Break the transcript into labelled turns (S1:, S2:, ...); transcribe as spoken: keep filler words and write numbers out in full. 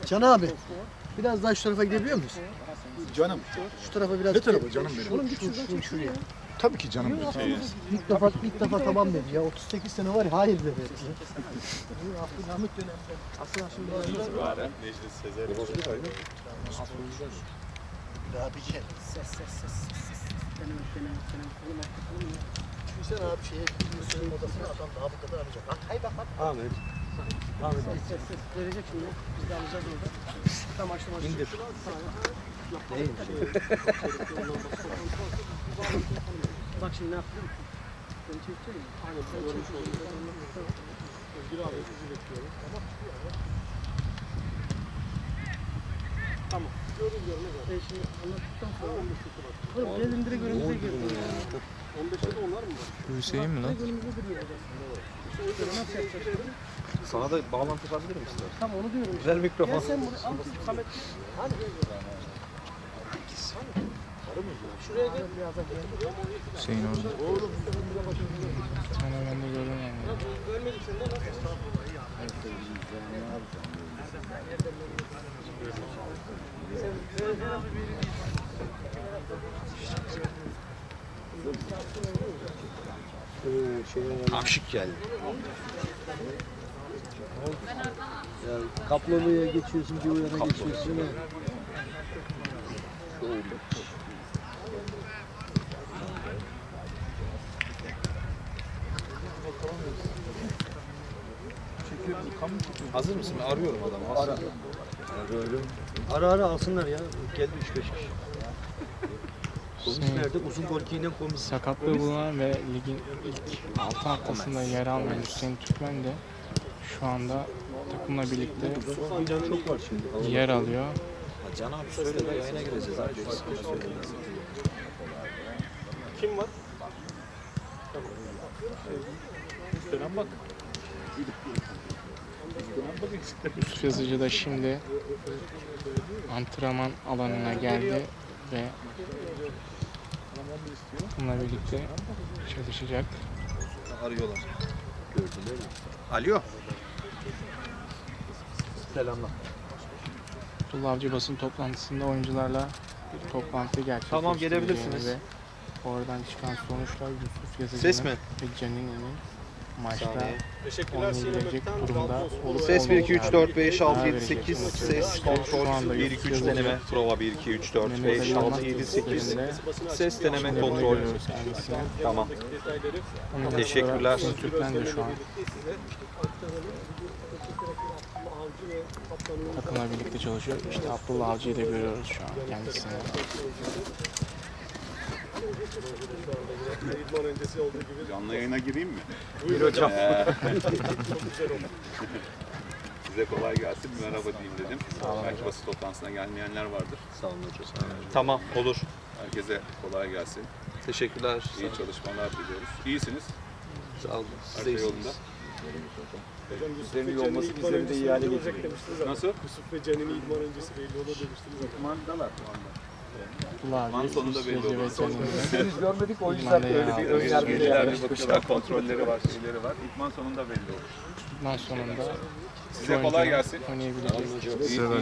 S1: Can abi, biraz daha şu tarafa gidebiliyor muyuz?
S2: Canım.
S1: Şu tarafa biraz...
S2: Ne tarafa canım benim?
S1: Oğlum git şuradan şuraya.
S2: Tabii ki canım benim.
S1: İlk defa, ilk defa tamam dedi ya. otuz sekiz sene var ya, hayır dedi. Abdülhamit döneminde. Asıl aşırı
S3: İtibaren Necdet Sezer.
S1: Abici. Ses ses ses ses. Deneme deneme deneme. Oğlum hakikaten ya. Düşünsene abi şeye gidiyorsun odasına adam daha bu kadar arayacak. Bak hay bak bak. Ahmet. Ahmet. Ses ses ses. Verecek şimdi. Biz de alacağız orada. Tam açtım açtım. İndir. Neymiş? Bak şimdi ne yaptın? Seni çekeceğim mi? Aynen. Sen çekeceğim. Özgür abi sizi bekliyorum. Tamam. Tamam. Görün görün. E şimdi anlattıktan sonra on beş Şubat. Oğlum gelin direkt önümüze girdi. on beşte de onlar mı var?
S4: Bu Hüseyin mi lan?
S1: Direkt önümüze duruyor hocam. Nasıl yapacağız?
S5: Sana da bağlantı yapabilir misin?
S1: Tam onu diyorum.
S5: Güzel mikrofon.
S1: Gel sen buraya al Samet. Hani? Şuraya gel.
S4: Hüseyin orada. Bir tane ben de gördüm yani.
S1: Görmedik seni de nasıl?
S5: Aşık geldi.
S6: Ya Kaplalı'ya geçiyorsun, bir yana geçiyorsun ya.
S5: Hazır mısın? Arıyorum adamı. Ara.
S6: Ara ara alsınlar ya. Geldi üç beş kişi. Komis
S4: Hüseyin,
S6: nerede? Uzun golkiyle komis.
S4: sakatlığı bulunan ve ligin ilk altı haftasında yer almayan Hüseyin Türkmen de şu anda takımla birlikte
S6: Çok var şimdi.
S4: yer alıyor.
S5: Ha, Can abi söyle de yayına gireceğiz abi.
S3: Kim var? Dönem bak.
S4: Yusuf Yazıcı da şimdi antrenman alanına geldi ve bununla birlikte çalışacak.
S5: Arıyorlar. Gördüler mi? Alo. Selamlar.
S4: Abdullah Avcı basın toplantısında oyuncularla bir toplantı gerçekleştireceğini
S5: Tamam, gelebilirsiniz.
S4: ve oradan çıkan sonuçlar Yusuf Yazıcı'nın
S5: Ses mi?
S4: ve Canini'nin maçta
S5: Saniye.
S3: Teşekkürler
S4: oynayabilecek durumda olup
S5: Ses bir iki üç dört beş altı yedi
S4: karar
S5: sekiz.
S4: verecek.
S5: Ses
S4: Şu anda
S5: kontrol bir iki üç
S4: Yusuf
S5: deneme.
S4: Yazıcı
S5: Prova bir iki üç dört
S4: Mehmet
S5: beş
S4: Ali
S5: altı
S4: Yılmaz
S5: yedi sekiz.
S4: tesislerinde
S5: Ses deneme
S4: bunu
S5: kontrol.
S4: görüyoruz kendisine.
S5: Tamam.
S4: Onun yanı sıra
S5: Teşekkürler.
S4: Hüseyin Türkmen de şu an takımla birlikte çalışıyor. İşte Abdullah Avcı'yı da görüyoruz şu an kendisine.
S3: Canlı yayına gireyim mi?
S5: Bir hocam.
S3: Size kolay gelsin. Bir merhaba diyeyim dedim. Belki basın toplantısına gelmeyenler vardır.
S5: Sağ olun hocam. Tamam olur.
S3: Herkese kolay gelsin.
S5: Teşekkürler.
S3: İyi çalışmalar diliyoruz. İyisiniz.
S5: Sağ olun.
S3: Her
S5: Siz de
S3: şey
S5: iyisiniz.
S3: yolunda.
S7: Bizlerin iyi olması bizlerin de iyi hale getiriyor.
S3: Nasıl?
S7: Yusuf ve Can'ın idman öncesi belli olur demiştiniz.
S3: İdmandalar.
S4: Abdullah
S3: İdman
S4: Avcı,
S3: sonunda
S4: Yusuf
S3: belli
S4: Yazıcı ve
S3: olur.
S4: Canini'nin
S7: Biz görmedik o
S4: yüzden
S7: yüzden
S4: böyle
S7: böyle
S4: bir
S7: bir
S4: ön
S7: ön
S4: yargıyla
S7: yargıyla
S3: Şeyler bir bakıyorlar, kontrolleri var, şeyleri var. İdman sonunda belli olur.
S4: bundan sonunda
S3: Size kolay gelsin.
S4: oyuncuların oynayabileceği
S3: İyi, iyi